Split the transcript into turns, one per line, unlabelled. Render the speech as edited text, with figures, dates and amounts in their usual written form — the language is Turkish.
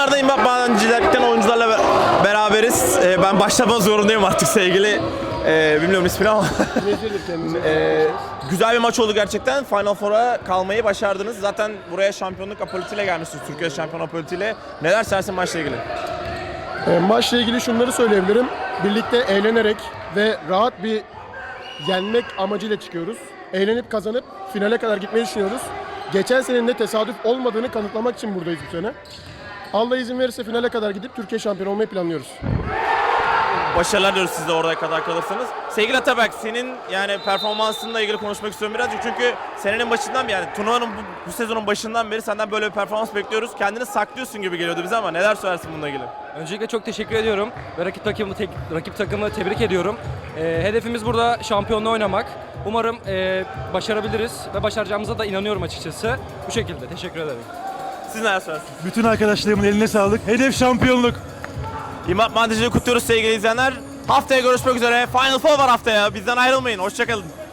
Tekrardan İmam Madencilik'ten oyuncularla beraberiz. Ben başlamak zorundayım artık sevgili. Bilmiyorum ismini ama. Güzel bir maç oldu gerçekten. Final Four'a kalmayı başardınız. Zaten buraya şampiyonluk apolitiyle gelmişsiniz. Türkiye şampiyon apolitiyle. Neler söylersin maçla ilgili?
Maçla ilgili şunları söyleyebilirim. Birlikte eğlenerek ve rahat bir yenmek amacıyla çıkıyoruz. Eğlenip kazanıp finale kadar gitmeyi düşünüyoruz. Geçen senenin de tesadüf olmadığını kanıtlamak için buradayız bu sene. Allah izin verirse finale kadar gidip Türkiye şampiyonu olmayı planlıyoruz.
Başarılar diliyoruz siz de oraya kadar kalırsanız. Sevgili Atabek, senin yani performansınla ilgili konuşmak istiyorum birazcık. Çünkü senenin başından beri, yani turnuvanın bu sezonun başından beri senden böyle bir performans bekliyoruz. Kendini saklıyorsun gibi geliyordu bize ama neler söylersin bununla ilgili?
Öncelikle çok teşekkür ediyorum ve rakip takımı tebrik ediyorum. Hedefimiz burada şampiyonluğu oynamak. Umarım başarabiliriz ve başaracağımıza da inanıyorum açıkçası. Bu şekilde teşekkür ederim.
Siz neler söylersiniz?
Bütün arkadaşlarımın eline sağlık. Hedef şampiyonluk.
İmam Madencilik'i kutluyoruz sevgili izleyenler. Haftaya görüşmek üzere. Final Four var haftaya. Bizden ayrılmayın. Hoşçakalın.